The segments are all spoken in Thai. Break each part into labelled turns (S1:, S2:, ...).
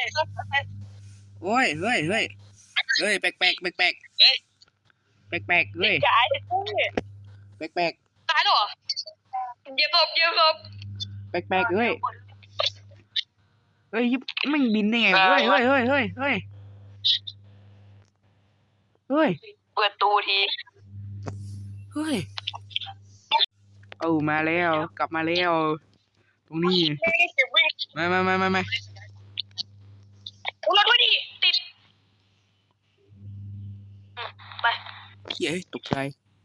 S1: โอ้ยเฮ้ยเฮ้ยเฮ้ยแปลกแปลกแปลกแปลกแปลกแปลกเฮ้ย
S2: ตาย
S1: แปลกแปลก
S2: ตายหรอเย็บศพ
S1: แปลกแปลกเฮ้ยเฮ้ยไม่บินได้ไงเฮ้ยเฮ้ยเฮ้ยเฮ้ยเฮ้ยเฮ้ย
S2: เปิดตูที
S1: เฮ้ยเอามาแล้วกลับมาแล้วตรงนี้ไม่
S2: รถด้วยดิติดไป
S1: เฮ้ยตกใจ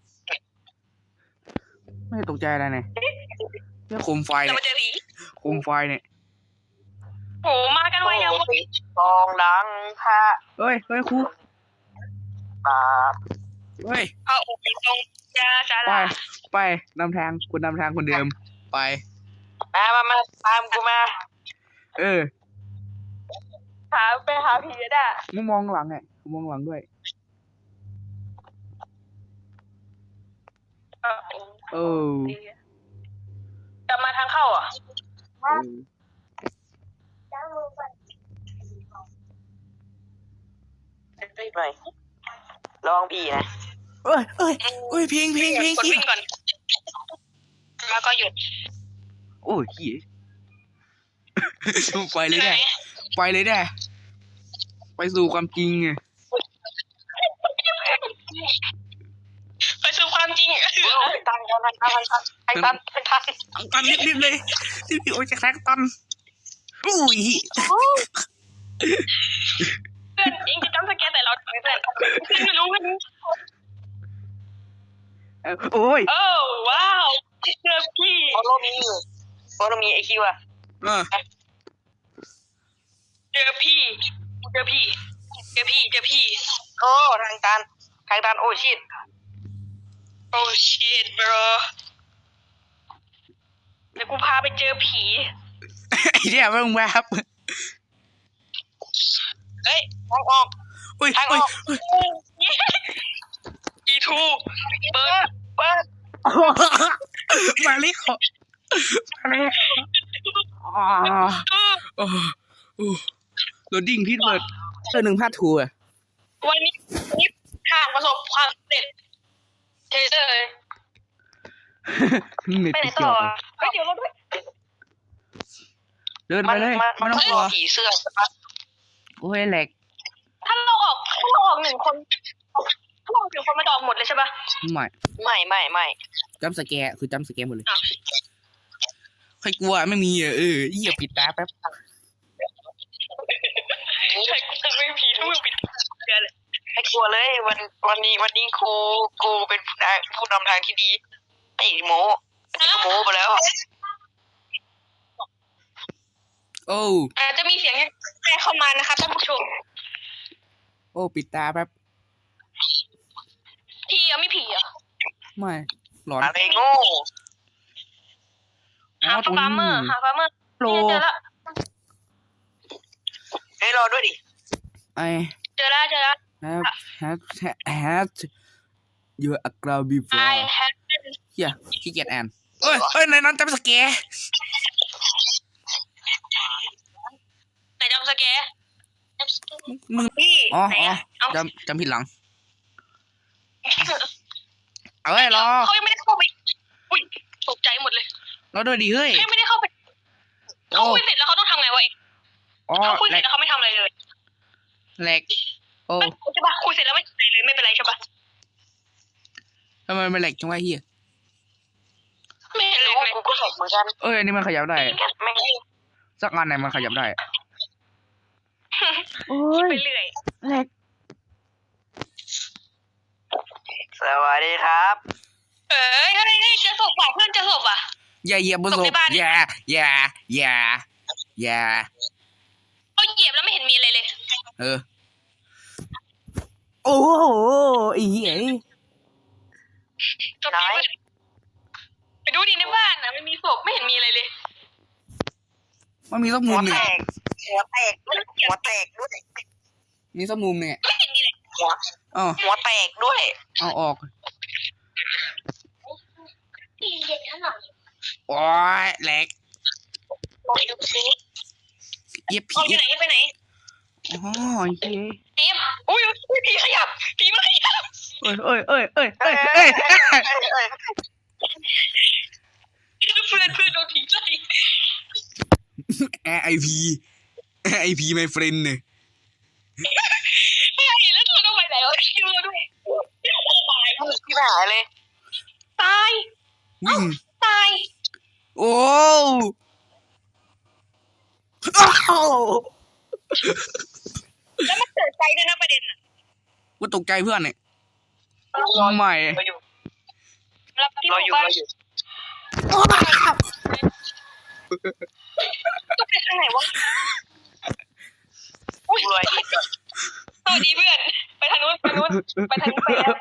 S1: ไม่ตกใจอะไรเนี่ยโคมไฟ
S2: จะ
S1: เนี่ย
S2: มาเจอผี
S1: โคมไฟเนี่ย
S2: โหมากันไวยังวะ
S3: กองดังพระ
S1: เฮ้ยเฮ้ยครู
S3: ตา
S1: เฮ้ย
S2: เอาออกไปตรงยาสา
S1: ไป
S2: ลา
S1: ไปนำทางคุณนำทางคนเดิมไป
S3: มาตามกูมา
S1: เออ
S2: ไปหาผีได้
S1: มึงมองหลังไงกูมองหลังด้วยเออ
S2: จะมาทางเข้าอ่ะ
S3: หน่อยลองพี่นะ
S1: เอ้ยเอ้ยเอ้ยเพลง
S2: กดวิ่งก่อนแล้วก็หยุด
S1: โอ้ยเหี้ยไปเลยได้ไปเลยได้ไปสู่ความจริงไง
S2: ไปสู่ความจริง
S3: ตัน
S1: ตันรีบเลยรีบโอ้ยจะแคร็กตันอุ้ย
S2: เพื่อนเองจะจำสแกนแต่เราเพื่อนไม่รู้ไม่รู้
S1: โอ้ย
S2: โอ้ว้าวเจอพี่
S3: โอโรมีไอคิวอะ
S2: เจอพี่
S3: โอ้ทางตันโอ้ชิต
S2: โอ้ชิต bro เดี๋ยวกูพาไปเจอผี
S1: ไอ้เนี่ยมึงแบบ
S3: เฮ้ยทางออก
S1: อุ้ย
S3: ทางอ
S1: อุ้ย
S3: อก
S2: อีทูเปิด
S1: มาเลยขอมาเลยโอ้โหลดดิ้งที่เปิดหนึ่งพาดทัวร์
S2: วันนี้ทางประสบความสำเร็จเทเซอร์เลย
S1: เน็ต
S2: ไปไหน
S1: เกี่
S2: ต่
S1: ย
S2: อ
S1: ว
S2: ไปเดี๋ยวเราด้วย
S1: เดินไปเลยไม่ต้องกลัว
S3: ผีเสื้อ
S1: โอ้ยแหลก
S2: ถ้าเราออกหนึ่งคนถ้าเราออกหนึ่งคนมันจะออกหมดเลยใช่ปะ
S3: ไม่
S1: จัมป์สแกร์คือจัมป์สแกร์หมดเลยใครกลัวไม่มีเหยียบปิดตาแป๊บ
S2: ใช่กูจะไม่ผีทุกปิดเดือนเลย
S3: ไม่กลัวเลยวันนี้กูเป็นผู้นำทางที่ดีไอ้โมไปแล้ว
S1: โอ้
S2: อาจจะมีเสียงแทรกเข้ามานะคะท่านผู้ชม
S1: โอ้ปิดตาแป๊บ
S2: ผีอ่ะไม่ผีอ่ะ
S1: ไม่หลอน
S3: อะไรโง่
S2: หาฟาร์เมอร์
S1: โปร
S2: เจอแล้ว
S3: ให้รอด้วยดิ
S1: ไอ
S2: เจอแล้ว
S1: have your aggravated before
S2: I have
S1: เฮียขี้เกียจอ่านเอ้ยในนั้นจัมป์สแกร์
S2: ไหนจำสแกร์
S1: มึง
S2: พี่
S1: อ๋อ
S2: ไหนอ่ะเอา
S1: จำผิดหลังเอาไว้รอ
S2: เขายังไม่ได้เข้าไปอุ้ยตกใจหมดเลย
S1: รอด้วยดิเฮ้ย
S2: เขายังไม่ได้เข้าไปเขาคุยเสร็จแล้วเขาต้องทำไงวะเอง
S1: อ๋อ
S2: เขาคุย
S1: แห
S2: เส
S1: ล
S2: ร็จ
S1: ก
S2: แล้วเขาไม่ทำอะไรเลย
S1: แหลกโอ้
S2: ใช่ปะคุยเสร็จแล้วไม่ทำอะไรเลยไม่เป็นไรใช่ปะ
S1: ทำไมมันแหลกจังวะเฮีย
S2: ไม่เห็นเลย
S3: กูก็แหกเหมือนกัน
S1: อันนี้มันขยับได้
S3: ไม่
S1: สักอันไหนมันขยับได้โอ้ย
S2: ไปเรื่อย
S1: แหลก
S3: สวัสดีครับ
S2: เอ้ยเจอศพว่ะเพื่อนเจอศพว่ะ
S1: อย่าเหยียบบนศ
S2: ตก
S1: พ
S2: ในบ้าน
S1: อย่า
S2: เขาเหยียบแล้วไม่เห็นมีอะไรเลย
S1: โอ้โหไอ้เหี้ย
S2: จบไปดูดิในบ้านนะไม่มีศพไม่เห็นมีอะไรเลย
S1: มันมีสักมุ
S3: หั
S1: ม
S3: ว
S1: หนึ่
S3: แต
S1: ง
S3: กด้วย
S1: มีสักมุมเนี่ย
S2: ไม่เห็นมีอะไร
S1: อ๋อ
S3: หัวแตกด้วย
S1: เอาออก
S2: เย็นขนาด
S1: โอ้ยแหลก
S3: บอกดูสิ
S1: เหยียบ
S2: เขา
S1: ผี
S2: อยู่ไหนไปไหน
S1: อ๋อโอเค
S2: เอฟอุ้ยผีขยับผีมันขยับ
S1: เอ้ยเอ้ยเอ้ยเอ้ย
S3: เอ้
S1: เอ้
S3: ย
S1: ย
S3: เอ้
S1: เอ้
S3: ย
S1: ย
S3: เอ้ยเอ้ย
S2: เพื่อนโดนผีไล่
S1: RIP RIP my friend เนี่ย
S2: ไม่เห็นแล้วเธอต้องไปไหนวะคิวเราด้วยตาย
S3: พี่ไปหาเลย
S2: ตาย
S1: วิ่ง
S2: ตาย
S1: โอ้อ้าว
S2: แล้วมันเกิดใจด้วยนะประเด็นอ่ะ
S1: กูตกใจเพื่อนเนี่ย
S3: รอ
S1: ใหม่
S3: อยู่
S2: รับที่ห
S3: รอ
S2: มู่
S3: อยู่
S2: บ้าน
S3: รออยู่
S2: ต้องไปทางไหนวะอุ้ย
S3: รวยอีกอ่ะ
S2: สวัสดีเพื่อนไปทางนู้นไปนู้นไปทางนู้นไปแล้ว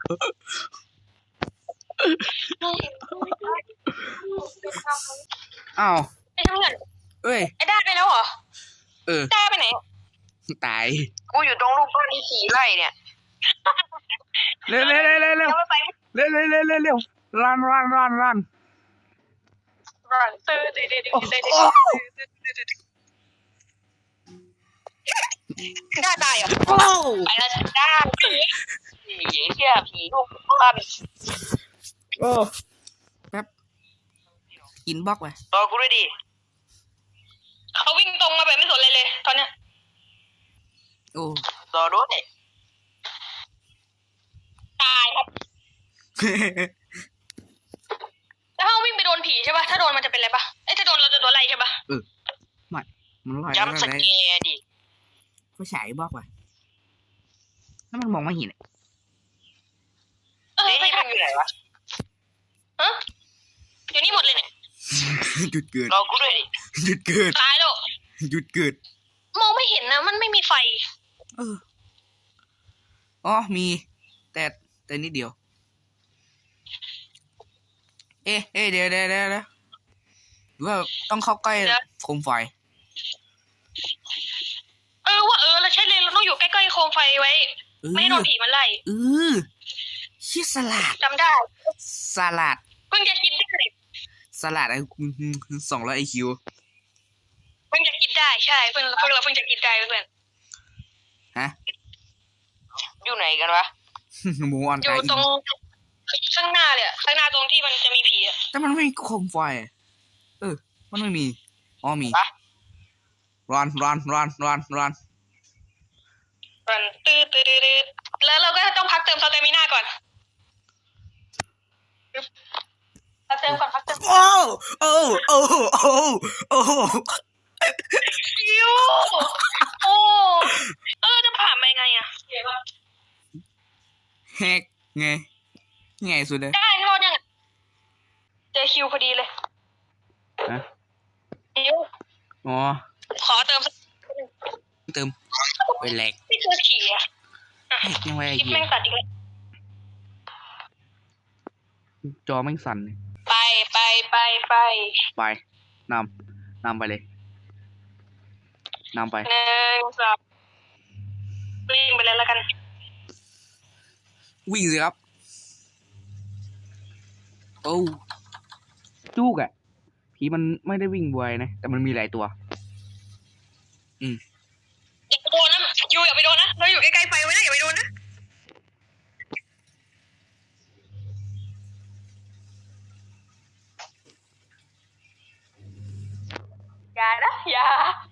S1: อ้าว
S2: ไอ้ทางเงิน
S1: เอ้ย
S2: ไอ้ด้าไปแล้วเหรอ
S1: เออ
S2: ด้าไปไหน
S1: ตาย
S3: กูอยู่ตรงรูปปั้นที่ขี่ไล่เนี่ย
S1: เร็วเร็วเร็วเร็วเร็ว
S2: ยังไม่ไป
S1: เร็วเร็วเร็วเร็วเร็วรัน
S2: รันตื่นตื่นตื่นตื่นด้าตายเหรอ
S1: โอ้
S2: ไปแล้วด้า
S3: ผีเชี่ยผีรูปปั้น
S1: โอ้แป๊บอินบ็อกซ์ไป
S3: รอกูด้วยดิ
S2: เขาวิ่งตรงมาแบบไม่สนเลยเลยตอนเนี้ย
S1: โอ้
S3: รอด้วย
S2: ตายครับแล้วถ้าวิ่งไปโดนผีใช่ป่ะถ้าโดนมันจะเป็นอะไรป่ะไอ้ถ้าโดนเราจะโดนอะไรใช่ป่ะ
S1: ไม่มันลอย
S3: ย้ำสเกร์ดิ
S1: ก็ฉายบ็อกซ์ไปแล้วมันมองไม่เห็น
S2: เออ
S3: เฮ้ย
S2: ไม่
S3: นี่
S2: ใช่
S3: มันอยู่ไหนวะ
S2: ฮะอยู่นี่หมดเลยเนี่ย
S1: หยุดเกิด
S3: รอกูด้วยดิ
S1: หยุดเกิด
S2: ตายแล้ว
S1: หยุดเกิด
S2: มองไม่เห็นนะมันไม่มีไฟ
S1: เอออ๋อมีแต่นิดเดียวเอ๊ะเดี๋ยวหรือว่าต้องเข้าใกล้โคมไฟ
S2: เออว่าเราใช่เลยเราต้องอยู่ใกล้ๆโคมไฟไว้ ไม่ให้โดนผีมันไล่
S1: ชื่อสลัด
S2: จำได้
S1: สลัด
S2: เพิ่งจะคิดได้
S1: สลัดไอ้200 IQ
S2: เพิ่งจะคิดได้ใช่เพิ่งเราเพิ่งจะคิดได้เพื่อน
S1: ฮะ
S3: อยู่ไหนกันวะ
S1: หมูออน
S2: อ
S1: ไก
S2: ยู่ตรงข้างหน้าเลยข้างหน้าตรงที่มันจะมีผีอ่ะ
S1: แต่มันไม่มีโคมไฟมันไม่มีอ๋อมี
S3: ปะ
S1: รัน
S2: มันตื้อแล้วเราก็ต้องพักเติมสเตมิน่าก่อนพักเติม
S1: โอ้
S2: คิวโอ้จะผ่านไปไงอ่ะ
S1: แฮกไงสุดเลย
S2: ได้รอดยังเจอคิวพอดีเลย
S1: ฮะ
S2: คิว
S1: อ๋อ
S2: ขอเติม
S1: เติมไปแหลก
S2: ไม่เจอผีอ่ะ
S1: แฮกยังไง
S2: คลิปแม่งตัดอีกแล้ว
S1: จอแม่งสั่นเลย
S2: ไป
S1: ไปนำไปเลยนำไป
S2: 1 2วิ่งไปเลยแล้วกัน
S1: วิ่งสิครับโอ้จุกอะผีมันไม่ได้วิ่งไวนะแต่มันมีหลายตัว
S2: อย่าไปโดนนะยูอย่าไปโดนนะเราอยู่ใกล้ๆไฟไว้นะอย่าไปโดนนะอย่านะอย่า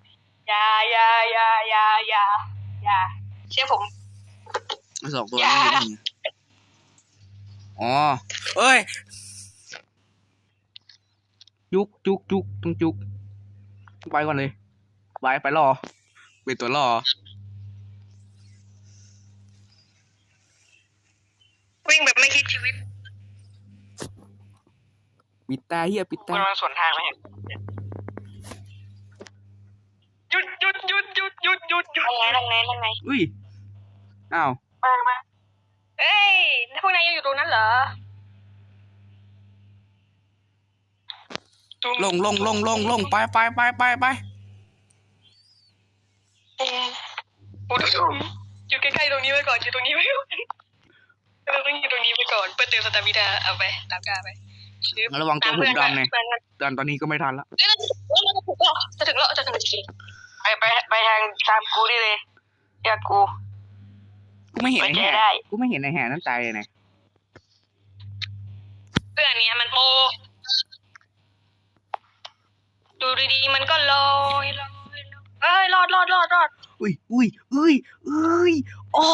S2: เชื่อผม
S1: 2 ตัว
S2: อย่า
S1: นี้เป็นไงอ๋อเอ้ยจุกต้องจุกไปก่อนเลยไปรอเป็นตัวรอ
S2: วิ่งแบบไม่คิดชีวิต
S1: ปิดตาเฮียปิด
S3: กู
S1: ตา
S3: กำลังสวนทางไหม
S2: หยุดนั่งไง
S1: อุ้ยอ้าว
S3: มา
S2: เอ้ยพวกนายยังอยู่ตรงนั้นเหรอ
S1: ลงไป
S2: โอ้ดูอยู่ใกล้ๆตรงนี้ไว้ก่อนอยู่ตรงนี้ไว้ก่อนเราต้องอยู่ตรงนี้ไปก่อนเพื่อเติมสตามินาเอาไปตามกาไประ
S1: วังตัวผมดำเนี่ย
S2: เพื่อน
S1: ดันตอนนี้ก็ไม่ทันละ
S2: จะถึงแล้วจริง
S3: ไอไปทางตามกูได้เลยเชื่อกู
S1: กูไม่เห็นไอ้
S3: ไว้ใจ
S1: แห่
S3: ได้
S1: กูไม่เห็นไอ้แห่นั้นตายเลยนะ
S2: เพื่อนเนี้ยมันโปดูดีๆมันก็ลอยเอ้ยรอด
S1: อุ้ยโอ้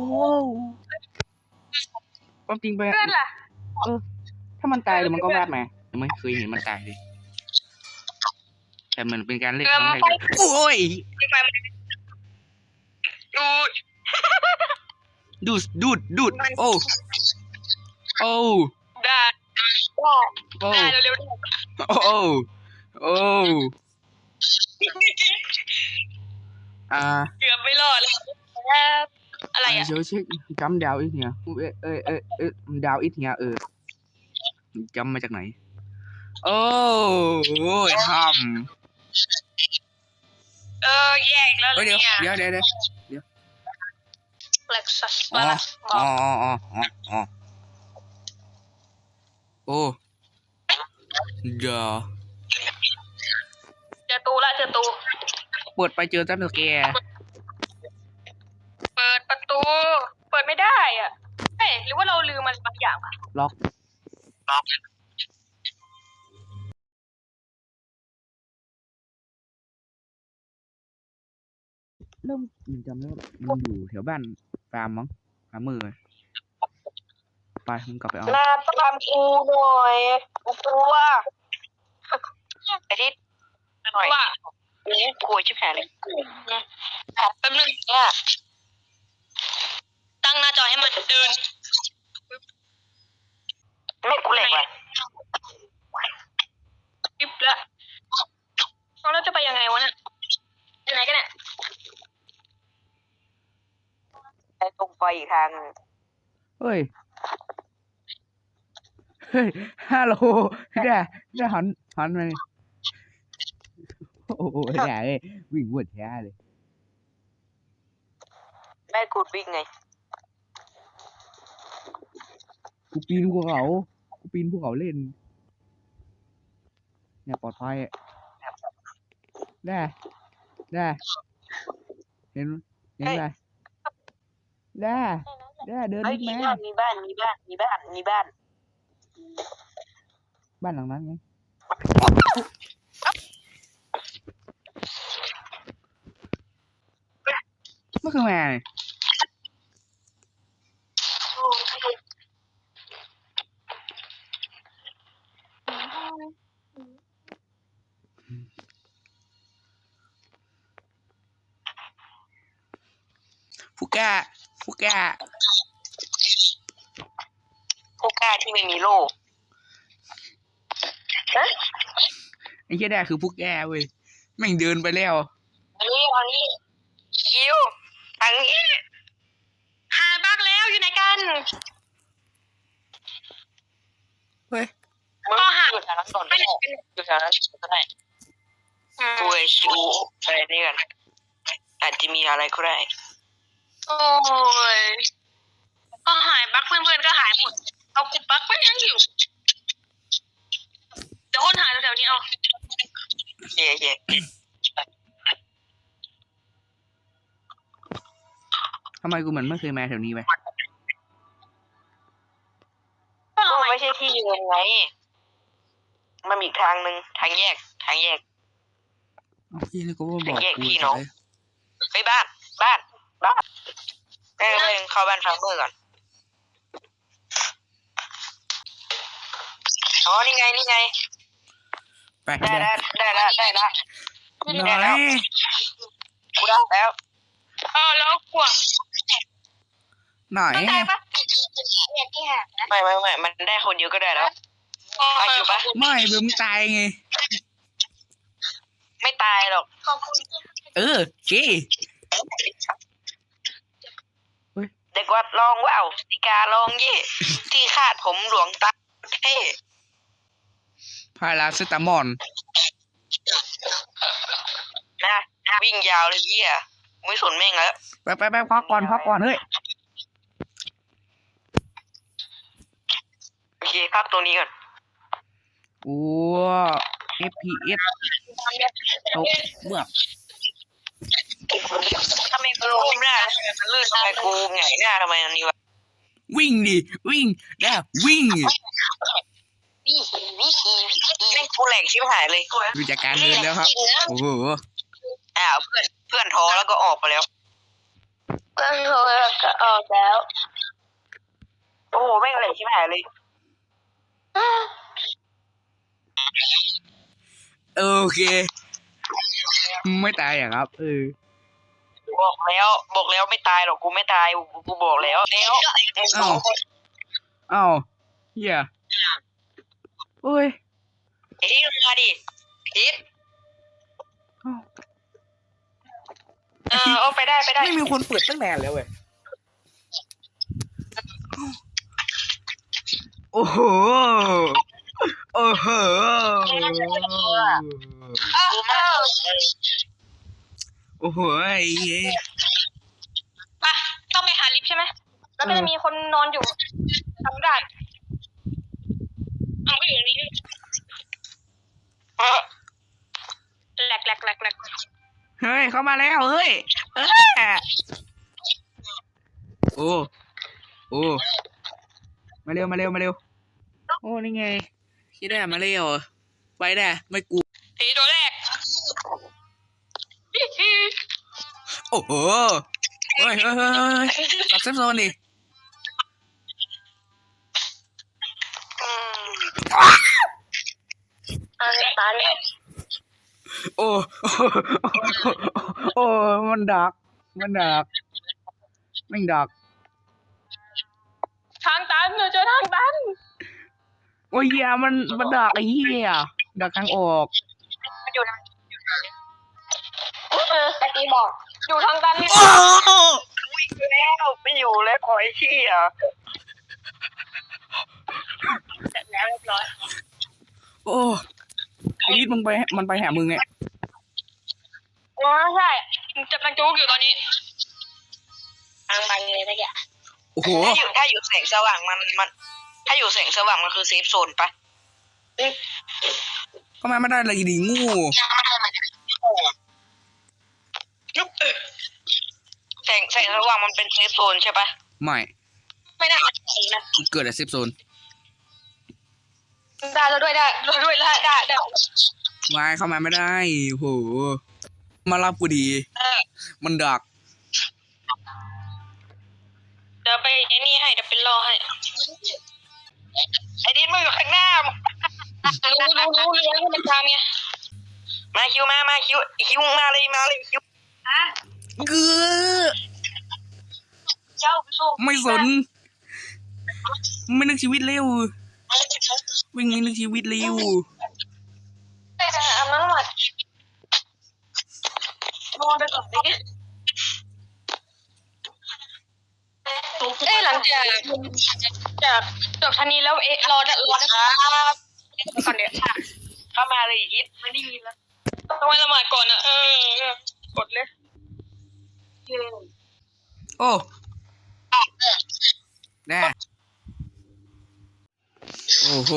S1: ความจริงไป
S2: เพื่อนล่ะ
S1: ถ้ามันตายเดี๋ยวมันก็วาดมาไม่เคยเห็นมันตายเลยแต่มันเป็นการเล่นครั้งแรกเลยโอ้ย
S2: ไฟมันดู
S1: ดูดโอ้โอ้
S2: ได้
S1: โอ้
S2: ได้เร็ว
S1: โอ้โอ้
S2: ๆเกือบไม่รอดแล้วอะไรอ่ะ
S1: เดี๋ยวเช็คจำดาวอีกเนี่ยดาวอีกเนี่ยจำมาจากไหนโอ้ยท
S2: แยกแล้ว
S1: ำเดี๋ยว
S2: เนี่ย
S1: เดี๋ยว
S2: เล็กซัส
S1: อ๋
S2: มา
S1: อ
S2: ละ
S1: อ๋อโอ้เดี๋ยว
S2: เจอตู
S1: เปิดไปเจอจัมป์สแกร์
S2: เปิดประตู เปิดไม่ได้อ่ะเฮ้ยหรือว่าเราลืมมันบางอย่างอ่ะ
S1: ล็อกเริ่มจำได้ว่ามันอยู่แถวบ้านฟาร์มมั้งฟาร์มมือไปมึงกลับไปเอา
S3: มาตามกูหน่อยกูกลัวไอ้ทิศหน่อย
S2: ว่า
S3: นี่กลัวชิบหายเลย
S2: แป๊บนึง
S3: เนี่ย
S2: ตั้งหน้าจอให้มันเดิน
S3: ไม่กูเหล็กว่ะ
S2: ปิ๊บละเราจะไปยังไงวะเนี่ยอยู่ไหนกันเนี่ย
S3: ไอ้ตรงไฟอีกทางหนึ่ง
S1: เฮ้ยฮัลโหลได้หันมาเลยโอ้โหได้เลยวิ่งวนแท้เลย
S3: แม่กูวิ่งไง
S1: กูปีนภูเขาเล่นเนี่ยปลอดภัยได้เห็นได้เดิน
S3: เฮ้ย
S1: นิด
S3: มี
S1: แม่
S3: บ้าน
S1: บ้านหลังนั้นไงไม่คือมาเลยฟูก้า
S3: ผู้กล้าที่ไม่มีโล่
S1: ไอ้เหี้ยได้คือพวกแกเว้ยแม่งเดินไปแล้ว
S3: อันนี้คิวอันนี้
S2: หายบ้างแล้วอยู่ไหนกัน
S1: เฮ้ย
S3: มึงอยู่แถวนั้นก่อนก็ได้อยู่แถวนั้นก็ได้กูไอชิวไปนี่กันอาจจะมีอะไรก็ได้
S2: โอ้ยก็หายบั๊กเพื่อนๆก็หายหมดเอากูบั๊กมันยังอยู่เดี๋ยวคนหายแถวๆนี้เอา
S3: เย่
S1: ทำไมกูเหมือนไม่เคยมาแถวนี้ไป
S2: ก็
S3: ก็
S2: เอาใหม่
S3: ไม่ใช่ที่ยืนไงมันมีอีกทางหนึ่งทางแยก
S1: อ้าวพี่นี่ก็บอก
S3: แยก
S1: กู
S3: พี่น้อง ไปบ้านเข้าบ้านฟาร์มเมอร์ก่อนอ๋อนี่ไง
S1: ไป
S3: ได้ละ
S1: น้อย
S3: กูได้แล้ว
S2: แล้วกลัว
S1: หน่อย
S2: ได้ปะ
S3: ไม่มันได้คนเดียวก็ได้แล้วเอาอยู่ปะ
S1: ไม่เบิ่มตายไง
S3: ไม่ตายหรอก
S1: เก้
S3: เด็กวัดลองว่าวสิกาลองเย่ที่คาดผมหลวงตาเท่
S1: พาราเซตามอล
S3: นะวิ่งยาวเลยเยี่ยไม่สนแม่งแล้ว
S1: ไปพักก่อนเฮ้ย
S3: โอเคพักตัวนี้ก่อน
S1: โอ้ FPS ตกเมื่อ
S3: ทำไมกูก้มหน้ามันลื่นทำไมกูหงายหน้าทำไมอันนี้วะ
S1: วิ่งดิวิ่งได้วิ่ง
S3: เล่นกูแหลกชิบหายเลย
S1: ดูจากการเดินแล้วครับโอ้โห
S3: เพื่อนท้อแล้วก็ออกไปแล้ว
S2: เพื่อนโทรก็ออกแล้ว
S3: โอ้โหแม่งแหลกชิบหายเลย
S1: โอเค ไม่ตายอ่ะครับ
S3: บอกแล้วไม่ตายหรอกกูไม่ตายกูบอกแล้วสองคน
S1: อ้าวเฮียโอ้ย
S3: ไอ้ที่มาดิพิษเอาไปได้
S1: ไม่มีคนเปิดตั้งนานแล้วเว้ยโอ้โหโอ้โหโอ้โหไอ้เหี้ย
S2: อ่ะต้องไปหาลิฟต์ใช่ไหมแล้วก็จะมีคนนอนอยู่ทำได้มันก็อยู่นี่แหลก
S1: เฮ้ยเข้ามาแล้วเฮ้ยโอ้โอ้มาเร็วโอ้นี่ไงคิดได้มาเร็วไปได้ไม่กู
S2: ผีตัวแรก
S1: โอ้โหเฮ้ยกลับเซฟโซนดิ
S2: ตายแล้ว
S1: โอ้โอ้มันดักแม่งดัก
S2: ทางตันเจอทางตัน
S1: โอ้ยเหี้ยมันดักไอ้เหี้ยดักทางออก
S2: อยู่ทางตะกี้บอกอยู่ทางตันนี่
S3: วิ่งแล้วไม่อยู่แล้วขอไอ้ขี้อ่ะ
S2: เสร็จแล้วเรียบร้อย
S1: โอ้ไอ้ยิดมันไปหามึงไง
S2: อ๋อใช่จะมันจุกอยู่ตอนนี้ทางไปเลยตะกี้
S1: โอ้โห
S3: ถ้าอยู่แสงสว่างมันถ้าอยู่แสงสว่างมันคือเซฟโซนปะ
S1: เข้ามาไม่ได้เลยดิงู
S3: แสงสว่างมันเป็นเซฟโซนใช่ปะ
S1: ไม่
S2: ได้นะ
S1: เกิดอะไรเซฟโซน
S2: ได้แล้วด้วยได้
S1: วายเข้ามาไม่ได้โอ้โหมารับกูดีมันดัก
S2: เดี๋ยวไปไอ้นี่ให้เดี๋ยวเป็นรอให้
S3: ไอ้ดินมึงอยู่ข้างหน้า
S2: รู้เลี้ยงให้มันทำไง
S3: มาคิวมาคิวมาเลยคิว
S1: เกือ
S2: เจ้าไปส่ง
S1: ไม่สนไม่นึกชีวิตเร็ววิ่งไม่นึกชีวิตเร็ว
S2: อันนั้นหมดนอนไปก่อนดิหลังจากจบทันนี้แล้วรอ
S3: ครับ
S2: ก่อนเดี๋ยว
S3: เข้ามาเลยฮิตไม่ได้ยินแล้ว
S2: ต้องไปละหมาดก่อนนะกดเลย
S1: โอ้แน่โอ้โห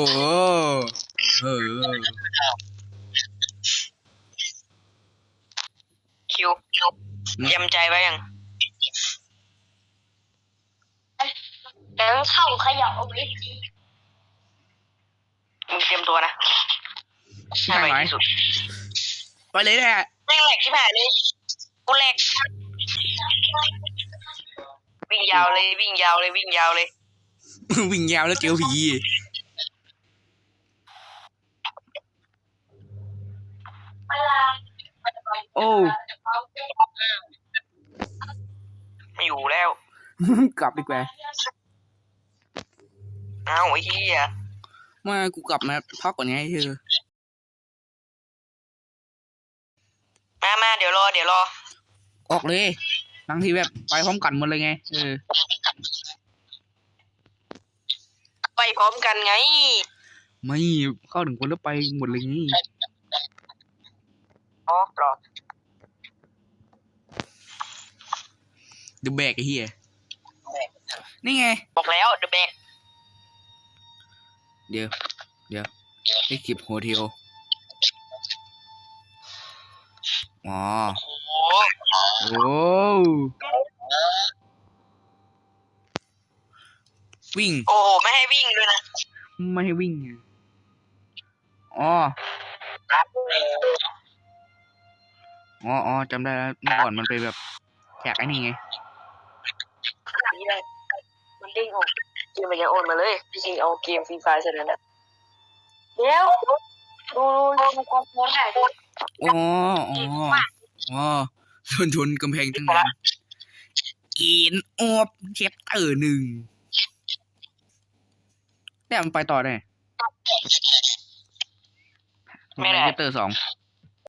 S3: คิวเตรียมใจไว้ยัง
S2: แล้วเข้าขยับเอาไว้
S3: มึงเตรียมตัวนะ
S1: ใช่ไหม
S3: ที่สุด
S1: ไปเลยแหละ
S3: แม่งแหลกชิบหายเลยกูแหลกวิ่งยาวเลย
S1: วิ่งยาวแล้วเจอผีโอ้
S3: ไม่อยู่แล้ว
S1: กลับดีกว่า
S3: อ้าวไอ้เหี้ย
S1: มากูกลับมาพักก่อนไงเธอ
S3: มาเดี๋ยวรอ
S1: ออกเลยบางทีแบบไปพร้อมกันหมดเลยไง
S3: ไปพร้อมกันไง
S1: ไม่เข้าถึงคนแล้วไปหมดเลยนี่
S3: อ๋อหรอ
S1: เดอะแบกไอ้เหี้ยนี่ไง
S3: บอกแล้วเดอะแบก
S1: เดี๋ยวไอ้คลิปโฮเทลอ๋อ
S3: โอ้
S1: โอ้วิ่ง
S3: โอ้โหไม่ให้วิ่งด้วยนะ
S1: ไม่ให้วิ่งไงอ๋ออ๋อจำได้แล้วเมื่อก่อนมันไปแบบแจกไอ้นี่ไง
S3: นี่เลยมันเด้งออกเกมมันยังโอนมาเลยจริงๆเอาเกมฟรีไฟเสร็จแล้วนะเดี๋ยวดูความโพสต์ไหน
S1: อ๋อชนกำแพงตั้งนานกินออบเชปเตอร์หนึ่งแต่มันไปต่อได้
S3: ไม่ได้
S1: เชปเตอร์สอง